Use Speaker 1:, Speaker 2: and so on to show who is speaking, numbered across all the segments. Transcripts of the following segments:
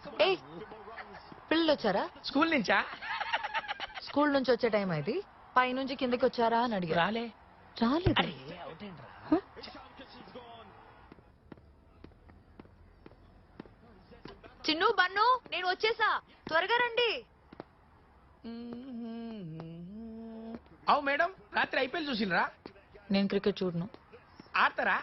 Speaker 1: ఏయ్ పిల్లలు వచ్చారా?
Speaker 2: స్కూల్ నుంచా?
Speaker 1: స్కూల్ నుంచి వచ్చే టైం అయితే పైనుంచి కిందకి వచ్చారా అని అడిగా.
Speaker 2: రాలే.
Speaker 1: రాలేదు. చిన్ను బన్ను నేను వచ్చేసా, త్వరగా రండి.
Speaker 2: అవు మేడం, రాత్రి ఐపీఎల్ చూసినరా?
Speaker 1: నేను క్రికెట్ చూడను.
Speaker 2: ఆడతారా?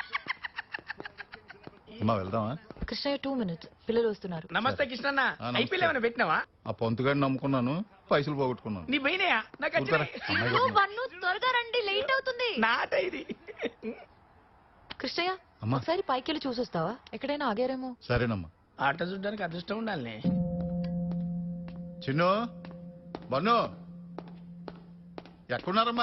Speaker 3: వెళ్దామా?
Speaker 1: కృష్ణయ్య 2 minutes, పిల్లలు వస్తున్నారు.
Speaker 2: నమస్తే కృష్ణన్న. ఐపీఎల్ ఏమైనా పెట్టినావా?
Speaker 3: ఆ పొంతుగాడిని నమ్ముకున్నాను, పైసలు పోగొట్టుకున్నాను.
Speaker 2: నీ పోయినాయా? నాకు
Speaker 1: చిన్ను బన్ను త్వరగా రండి, లేట్ అవుతుంది.
Speaker 2: నాట ఇది.
Speaker 1: కృష్ణయ్య ఒకసారి పైకి వెళ్ళి చూసొస్తావా? ఎక్కడైనా ఆగారేమో.
Speaker 3: సరేనమ్మా.
Speaker 2: ఆట చూడడానికి అదృష్టం ఉండాలి.
Speaker 3: చిన్ను బన్ను ఎక్కడున్నారమ్మా?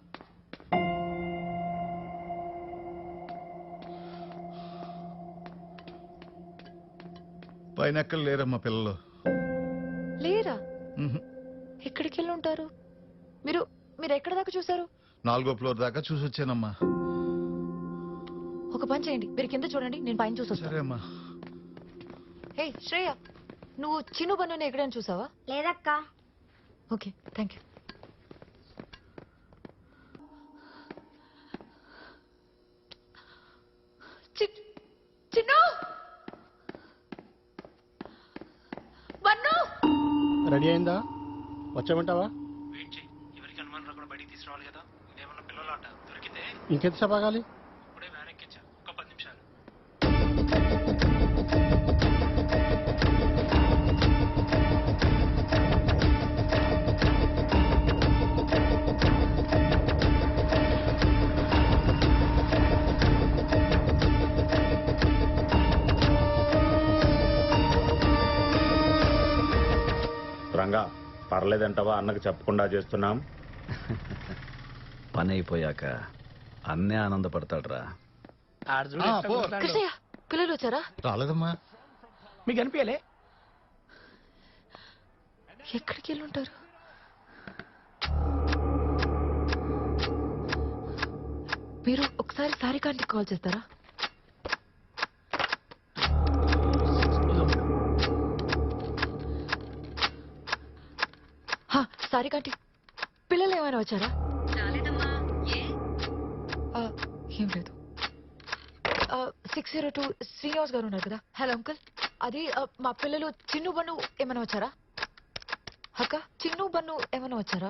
Speaker 3: పైన ఎక్కడ లేరమ్మా పిల్లలు.
Speaker 1: లేరా? ఎక్కడికి వెళ్ళి ఉంటారు? మీరు మీరు ఎక్కడ దాకా చూసారు?
Speaker 3: 4వ ఫ్లోర్ దాకా చూసి వచ్చానమ్మా.
Speaker 1: ఒక పని చేయండి, మీరు కింద చూడండి, నేను పైన చూసొస్తాను.
Speaker 3: సరే అమ్మా.
Speaker 1: హే శ్రేయ, నువ్వు చిన్ను బన్నుని ఎక్కడైనా చూసావా?
Speaker 4: లేదక్క.
Speaker 1: Okay, thank you. Chinnu Bannu
Speaker 5: ready అయిందా? వచ్చామంటావా?
Speaker 2: ఎవరికి అనుమానం రాకుండా బయటికి తీసుకురావాలి కదా. ఇదేమన్నా పిల్లలు ఆట దొరికితే
Speaker 5: ఇంకెంతసేపు ఆగాలి?
Speaker 2: ఇప్పుడే వ్యాన్ ఎక్కించా, ఒక 10 నిమిషాలు.
Speaker 6: రంగా పర్లేదంటావా? అన్నకు చెప్పకుండా చేస్తున్నాం.
Speaker 7: పని అయిపోయాక అన్నే ఆనందపడతాడ్రా.
Speaker 1: కృష్ణయ్య పిల్లలు వచ్చారా?
Speaker 3: రాలేదమ్మా.
Speaker 2: మీకు అనిపించలే?
Speaker 1: ఎక్కడికి వెళ్ళి ఉంటారు? మీరు ఒకసారి సారికాంటికి కాల్ చేస్తారా? సారికాంటి, పిల్లలు ఏమైనా వచ్చారా? ఏం లేదు. 602 శ్రీనివాస్ గారు ఉన్నారు కదా. హలో అంకుల్, అది మా పిల్లలు చిన్ను బన్ను ఏమైనా వచ్చారా? అక్క, చిన్ను బన్ను ఏమైనా వచ్చారా?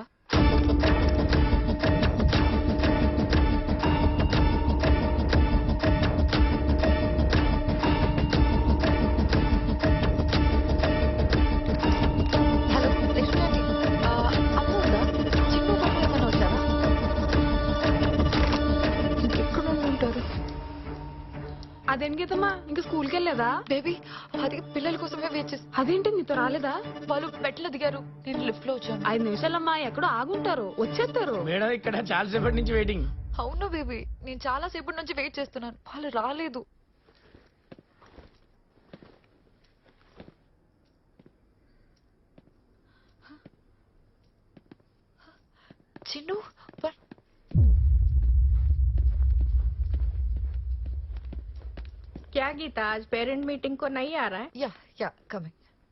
Speaker 1: హలో లక్ష్మి ఆంటీ, అమ్మ ఉందా? చిన్ను బన్ను ఏమైనా వచ్చారా? ఇంకెక్కడ ఉంటారు?
Speaker 8: అదేంటమ్మా, ఇంకా స్కూల్కి వెళ్ళలేదా?
Speaker 1: బేబీ, అది పిల్లల కోసమే వెయిట్ చేస్తా.
Speaker 8: అదేంటి నీతో రాలేదా?
Speaker 1: వాళ్ళు బెట్లో దిగారు, నేను లిఫ్ట్ లో వచ్చాను.
Speaker 8: 5 నిమిషాలమ్మా, ఎక్కడో ఆగుంటారు, వచ్చేస్తారు.
Speaker 2: మేడం ఇక్కడ చాలా సేపటి నుంచి వెయిటింగ్.
Speaker 1: అవును బేబీ, నేను చాలా సేపటి నుంచి వెయిట్ చేస్తున్నాను, వాళ్ళు రాలేదు. చిన్ను
Speaker 8: क्या गीता, आज पेरेंट मीटिंग को नहीं आ रहा है?
Speaker 1: या कमिंग.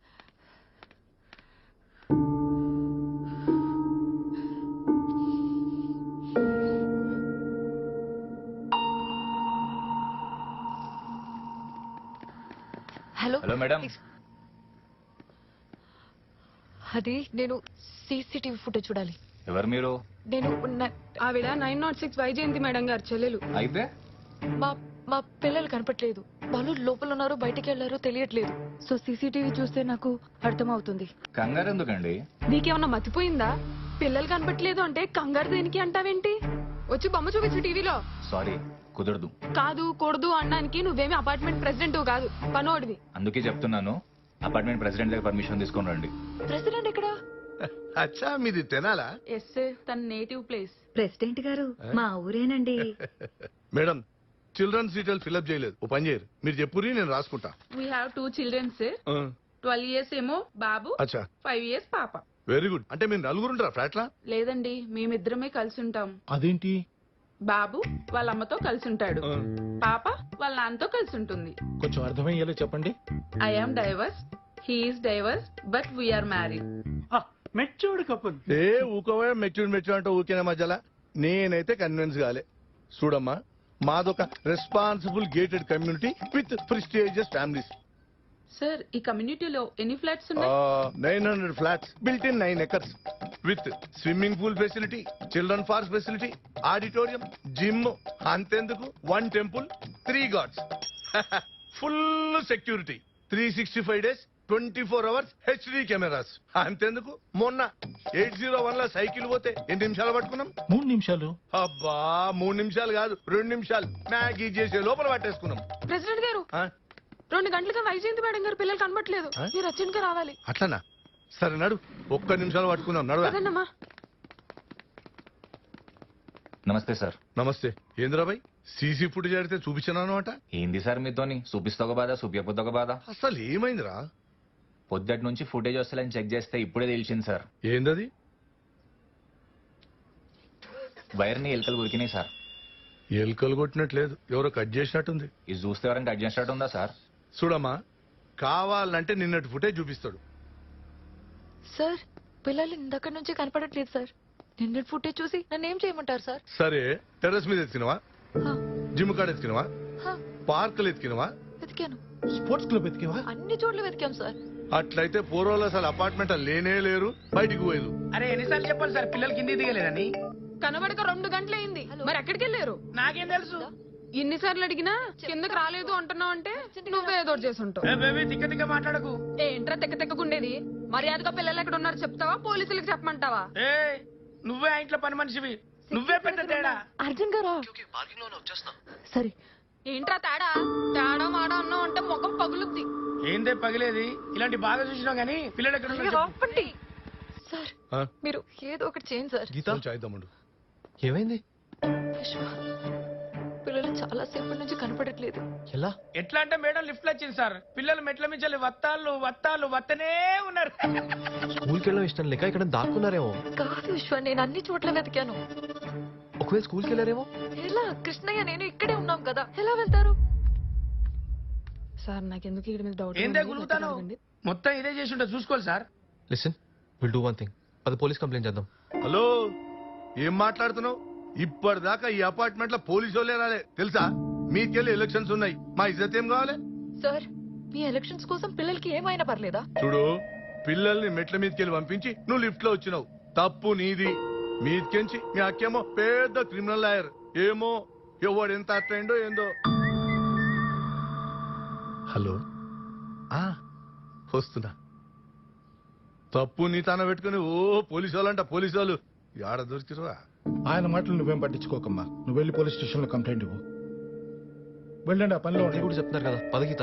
Speaker 1: Hello
Speaker 7: hello madam.
Speaker 1: అది నేను సీసీటీవీ ఫుటేజ్ చూడాలి.
Speaker 7: ఎవరు మీరు?
Speaker 1: నేను
Speaker 8: ఆవిడ 906 వైజయంతి మేడం గారు చెల్లెలు.
Speaker 7: అయితే
Speaker 1: మా పిల్లలు కనపట్లేదు, వాళ్ళు లోపల ఉన్నారు బయటికి వెళ్లారో తెలియట్లేదు. సో సీసీటీవీ చూస్తే నాకు అర్థమవుతుంది.
Speaker 7: కంగారు ఎందుకండి?
Speaker 8: నీకేమన్నా మతిపోయిందా? పిల్లలు కనపట్లేదు అంటే కంగారు దేనికి అంటావేంటి? వచ్చి బొమ్మ చూపించు టీవీలో.
Speaker 7: సారీ, కుదరదు.
Speaker 8: కాదు కూడదు అనడానికి నువ్వేమి అపార్ట్మెంట్ ప్రెసిడెంట్ కాదు, పనోడివి.
Speaker 7: అందుకే చెప్తున్నాను, అపార్ట్మెంట్ ప్రెసిడెంట్ దగ్గర పర్మిషన్ తీసుకొని రండి.
Speaker 1: ప్రెసిడెంట్ ఎక్కడ?
Speaker 9: అచ్చా, మీది తెనాలా?
Speaker 8: ఎస్, తన నేటివ్ ప్లేస్.
Speaker 4: ప్రెసిడెంట్ గారు మా ఊరేనండి.
Speaker 9: మేడం, చిల్డ్రన్స్ డీటెయిల్ ఫిల్అప్ చేయలేదు, ఓ పని చేయరు, మీరు చెప్పురి నేను రాసుకుంటా.
Speaker 8: We have 2 children sir. 12 years ఏమో బాబు,
Speaker 9: అచ్చా
Speaker 8: 5 years పాప.
Speaker 9: Very good. అంటే మీరు నలుగురుంటారా ఫ్లాట్ లా?
Speaker 8: లేదండి, మేమిద్దరమే కలిసి ఉంటాం.
Speaker 5: అదేంటి?
Speaker 8: బాబు వాళ్ళ అమ్మతో కలిసి ఉంటాడు, పాప వాళ్ళ నాన్నతో కలిసి ఉంటుంది.
Speaker 5: కొంచెం అర్థమయ్యేలా చెప్పండి.
Speaker 8: I am divorce,
Speaker 10: he is divorce but we are married.
Speaker 5: Matured couple.
Speaker 9: ఏ ఊకోవా మెచ్యూర్ అంటే ఊకేనా మధ్యలో నేనైతే కన్విన్స్ కాలే. చూడమ్మా, మాదొక responsible gated community with prestigious families.
Speaker 10: Sir ఈ కమ్యూనిటీలో ఎన్ని ఫ్లాట్స్ ఉన్నాయి?
Speaker 9: 900 flats built in 9 acres with swimming pool facility, children park facility, auditorium, gym, అంతెందుకు 1 temple, 3 gods, full security, 365 days 24 hours HD cameras. అంతెందుకు మొన్న 801 లో సైకిల్ పోతే ఎన్ని నిమిషాలు పట్టుకున్నాం?
Speaker 3: 3 నిమిషాలు.
Speaker 9: అబ్బా 3 నిమిషాలు కాదు, 2 నిమిషాలు మ్యాగీ చేసే లోపల పట్టేసుకున్నాం.
Speaker 8: ప్రెసిడెంట్ గారు
Speaker 9: ఆ?
Speaker 8: 2 గంటలుగా వైజయంతి మేడం గారు పిల్లలు కనబట్లేదు. మీరు అర్జెంట్ గా రావాలి.
Speaker 9: అట్లనా? సరే నడు, 1 నిమిషాలు పట్టుకుందాం. నడువా.
Speaker 8: అదన్నమ్మా.
Speaker 7: నమస్తే సార్.
Speaker 9: నమస్తే. ఏంద్రాబాయ్, సీసీ ఫుటేజ్ అడిగితే చూపించాను అనమాట.
Speaker 7: ఏంది సార్ మీతోని? చూపిస్తా ఒక బాధ, చూపించకపోతే ఒక బాధ.
Speaker 9: అసలు ఏమైందిరా?
Speaker 7: పొద్దుటి నుంచి ఫుటేజ్ వస్తలేని చెక్ చేస్తే ఇప్పుడే తెలిసింది సార్.
Speaker 9: ఏందది?
Speaker 7: వైర్ని ఎలుకలు ఉరికినాయి సార్.
Speaker 9: ఎలుకలు కొట్టినట్లేదు, ఎవరో కట్ చేసినట్టుంది.
Speaker 7: ఇది చూస్తే ఎవరైనా కట్ చేసినట్టు ఉందా సార్?
Speaker 9: చూడమ్మా, కావాలంటే నిన్నటి ఫుటేజ్ చూపిస్తాడు.
Speaker 1: సార్ పిల్లలు ఇందక్కడి నుంచి కనపడట్లేదు సార్. నిన్నటి ఫుటేజ్ చూసి నన్ను ఏం చేయమంటారు సార్?
Speaker 9: సరే, టెర్రస్ మీద ఎత్తికినవా,
Speaker 1: హా,
Speaker 9: జిమ్ కాడ ఎత్తికినవా,
Speaker 1: హా,
Speaker 9: పార్కులు ఎత్తికినవా,
Speaker 1: వెతికాను.
Speaker 3: స్పోర్ట్స్ క్లబ్ ఎత్తికేవా?
Speaker 1: అన్ని చోట్ల వెతికాం సార్.
Speaker 9: అట్లయితే పూర్వాలు అసలు అపార్ట్మెంట్ లేనే లేరు, బయటికి పోయేది.
Speaker 2: అరే ఎన్నిసార్లు చెప్పాలి సార్ పిల్లలు కింది దిగలేదని?
Speaker 8: కనబడక 2 గంటలైంది. మరి ఎక్కడికి వెళ్ళారు?
Speaker 2: నాకేం తెలుసు?
Speaker 8: ఎన్నిసార్లు అడిగినా కిందకి రాలేదు అంటున్నావు అంటే నువ్వే ఏదో ఒకటి చేసి ఉంటావు.
Speaker 2: ఏ బేబీ తిక్క తిక్క మాట్లాడకు.
Speaker 8: ఏంట్రా తెక్కగుండేది? మర్యాదగా పిల్లలు ఎక్కడ ఉన్నారు చెప్తావా, పోలీసులకు చెప్పమంటావా?
Speaker 2: ఏ నువ్వే ఆ ఇంట్లో పని మనిషివి, నువ్వే పెద్ద తేడా.
Speaker 1: అర్జున్ గారా? సరే.
Speaker 8: ఏంట్రా తేడా? తేడా మాడా అన్నావు అంటే ముఖం పగులుద్ది.
Speaker 2: ఏందే పగిలేది? ఇలాంటి బాగా చూసినావు గానీ పిల్లలు ఎక్కడ ఉన్నారు చెప్పు.
Speaker 1: ఆపండి. సార్
Speaker 9: ఆ?
Speaker 1: మీరు ఏదో ఒకటి చేయండి సార్.
Speaker 9: కొంచెం అయిద్దాముండు.
Speaker 5: ఏమైంది?
Speaker 1: విశ్వ, పిల్లలు చాలా సేపటి నుంచి కనపడట్లేదు.
Speaker 5: ఎలా?
Speaker 2: ఎట్లా అంటే మేడం లిఫ్ట్ వచ్చింది సార్, పిల్లలు మెట్ల మించాలి వత్తాలు వత్తనే ఉన్నారు.
Speaker 5: స్కూల్కి వెళ్ళడం ఇష్టం లేక ఇక్కడ దాక్కున్నారేమో.
Speaker 1: కాదు విశ్వ, నేను అన్ని చోట్ల వెతికాను.
Speaker 5: ఒకవేళ స్కూల్కి వెళ్ళారేమో.
Speaker 1: ఎలా? కృష్ణయ్య నేను ఇక్కడే ఉన్నాం కదా, ఎలా వెళ్తారు?
Speaker 8: సార్ నాకెందుకు ఇక్కడ మీద డౌట్
Speaker 2: ఏందే గులుగుతాను? మొత్తం ఇదే చేసి ఉంటా, చూసుకోవాలి sir.
Speaker 5: Listen, will do one thing. అది పోలీస్ కంప్లైంట్ చేద్దాం.
Speaker 9: హలో, ఏం మాట్లాడుతున్నావు? ఇప్పటిదాకా ఈ అపార్ట్మెంట్ లో పోలీసు వాళ్ళే రాలే తెలుసా? మీకెళ్ళి ఎలక్షన్స్ ఉన్నాయి, మా ఇజ్జత్ ఏం కావాలి?
Speaker 1: సార్ మీ ఎలక్షన్స్ కోసం పిల్లలకి ఏమైనా పర్లేదా?
Speaker 9: చూడు, పిల్లల్ని మెట్ల మీదకెళ్ళి పంపించి నువ్వు లిఫ్ట్ లో వచ్చినావు, తప్పు నీది. మీదకెంచి మీ అక్కేమో పెద్ద క్రిమినల్ లాయర్, ఏమో ఎవడు ఎంత అట్టయిండో ఏందో. హలో, వస్తున్నా. తప్పు నీ తాన పెట్టుకుని ఓ పోలీసు వాళ్ళంట, పోలీసు వాళ్ళు ఆడ దొరికిరా.
Speaker 3: ఆయన మాటలు నువ్వేం పట్టించుకోకమ్మా. నువ్వు వెళ్ళి పోలీస్ స్టేషన్ లో కంప్లైంట్ ఇవ్వు. వెళ్ళండి, ఆ పనిలో
Speaker 5: మీరు కూడా చెప్తున్నారు కదా, పదగీత.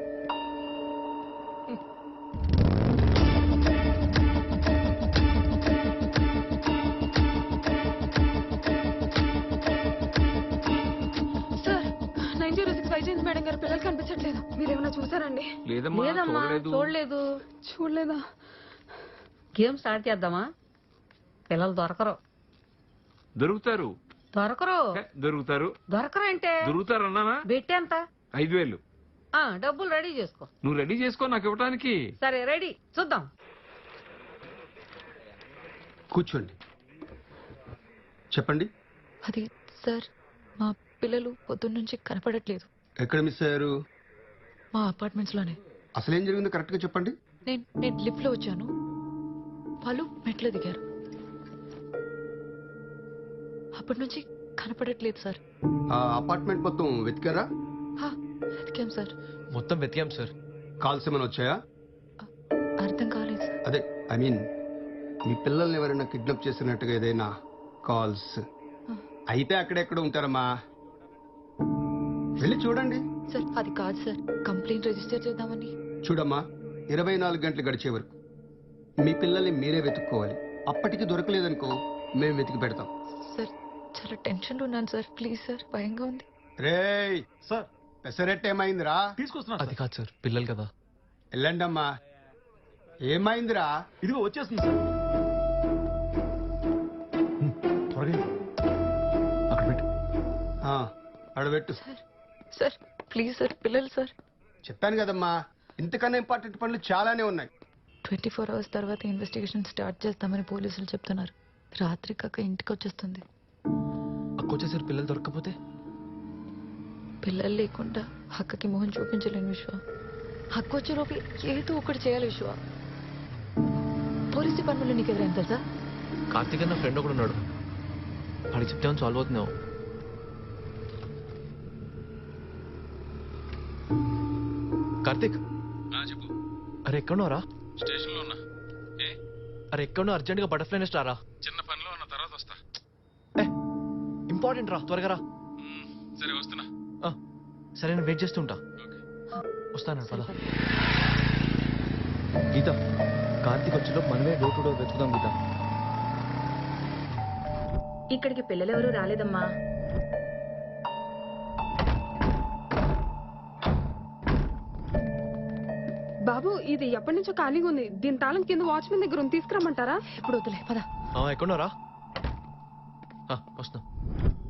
Speaker 8: సార్ 906 వైజయంతి మేడం గారు పిల్లలు కనిపించట్లేదు. మీరేమైనా చూసారండి?
Speaker 10: లేదమ్మా, చూడలేదు.
Speaker 8: చూడలేదా?
Speaker 10: గేమ్ స్టార్ట్ చేద్దామా? పిల్లలు దొరకరు.
Speaker 11: దొరుకుతారు
Speaker 10: దొరకరు అంటే
Speaker 11: దొరుకుతారు అన్నానా?
Speaker 10: బెట్టి ఎంత?
Speaker 11: 5,000.
Speaker 10: డబ్బులు రెడీ చేసుకో.
Speaker 11: నువ్వు రెడీ చేసుకో నాకు ఇవ్వడానికి.
Speaker 10: సరే రెడీ, చూద్దాం.
Speaker 5: కూర్చోండి, చెప్పండి.
Speaker 1: అది సార్, మా పిల్లలు పొద్దున్న నుంచి కనపడట్లేదు.
Speaker 5: ఎక్కడ మిస్ అయ్యారు?
Speaker 1: మా అపార్ట్మెంట్స్ లోనే.
Speaker 5: అసలు ఏం జరిగిందో కరెక్ట్ గా చెప్పండి.
Speaker 1: నేను లిఫ్ట్ లో వచ్చాను, వాళ్ళు మెట్లు దిగారు. అప్పటి నుంచి కనపడట్లేదు సార్.
Speaker 5: ఆ అపార్ట్మెంట్ మొత్తం వెతికారా?
Speaker 1: వెతికాం సార్.
Speaker 5: మొత్తం వెతికాం సార్. కాల్స్ ఏమైనా వచ్చాయా?
Speaker 1: అర్థం కాలేదు సార్.
Speaker 5: అదే ఐ మీన్, మీ పిల్లల్ని ఎవరైనా కిడ్నాప్ చేసినట్టుగా ఏదైనా కాల్స్ అయితే అక్కడెక్కడ ఉంటారమ్మా, వెళ్ళి చూడండి.
Speaker 1: సార్ అది కాదు సార్, కంప్లైంట్ రిజిస్టర్ చేద్దామని.
Speaker 5: చూడమ్మా, 24 గంటలు గడిచే వరకు మీ పిల్లల్ని మీరే వెతుక్కోవాలి. అప్పటికి దొరకలేదనుకో మేము వెతికి పెడతాం.
Speaker 1: సార్ చాలా టెన్షన్ ఉన్నాను సార్, ప్లీజ్ సార్, భయంగా ఉంది.
Speaker 5: రేయ్ సార్, పెసరెట్ ఏమైందిరా?
Speaker 11: తీసుకొస్తున్నా.
Speaker 5: అది కాదు సార్, పిల్లలు కదా. వెళ్ళండమ్మా. ఏమైందిరా?
Speaker 11: ఇదిగో వచ్చేస్తుంది సార్. త్వరగా అక్కడ పెట్టు.
Speaker 5: అడబెట్టు.
Speaker 1: సార్ ప్లీజ్ సార్, పిల్లలు సార్.
Speaker 5: చెప్పాను కదమ్మా, ఇంతకన్నా ఇంపార్టెంట్ పనులు చాలానే ఉన్నాయి.
Speaker 1: 24 hours తర్వాత ఇన్వెస్టిగేషన్ స్టార్ట్ చేస్తామని పోలీసులు చెప్తున్నారు. రాత్రికి అక్క ఇంటికి వచ్చేస్తుంది.
Speaker 12: అక్కొచ్చేసరి పిల్లలు దొరకకపోతే
Speaker 1: పిల్లలు లేకుండా అక్కకి మొహం చూపించలేను విశ్వ. హక్కు వచ్చేలోపు ఏదో ఒకటి చేయాలి విశ్వ. పోలీస్ డిపార్ట్మెంట్లో నీకు ఎవరైనా తెలుసా?
Speaker 12: కార్తీక్ అన్న ఫ్రెండ్ ఒకడు ఉన్నాడు, వాడికి చెప్తే సాల్వ్ అవుతున్నావు. కార్తీక్
Speaker 11: చెప్పు.
Speaker 12: అరే ఎక్కడున్నారా?
Speaker 11: స్టేషన్ లో ఉన్నా.
Speaker 12: అరే ఎక్కడున్నా? అర్జెంట్ గా బటర్ఫ్లై నెస్ట్ రారా.
Speaker 11: చిన్న పనిలో ఉన్న తర్వాత వస్తా.
Speaker 12: ఇంపార్టెంట్ రా, త్వరగా రా.
Speaker 11: సరే వస్తున్నా.
Speaker 12: సరే నేను వెయిట్ చేస్తుంటా. వస్తాను పద. గీత, కార్తీక్ వచ్చేలో మనమే డోర్ టు డోర్ వెతుకుదాం గీత.
Speaker 4: ఇక్కడికి పిల్లలెవరూ రాలేదమ్మా.
Speaker 8: బాబు ఇది ఎప్పటి నుంచో ఖాళీగా ఉంది. దీని తాళం కింద వాచ్మెన్ దగ్గర ఉంది, తీసుకురమ్మంటారా?
Speaker 1: ఇప్పుడు వద్దులే పద.
Speaker 12: ఎక్కడున్నారా? వస్తున్నా.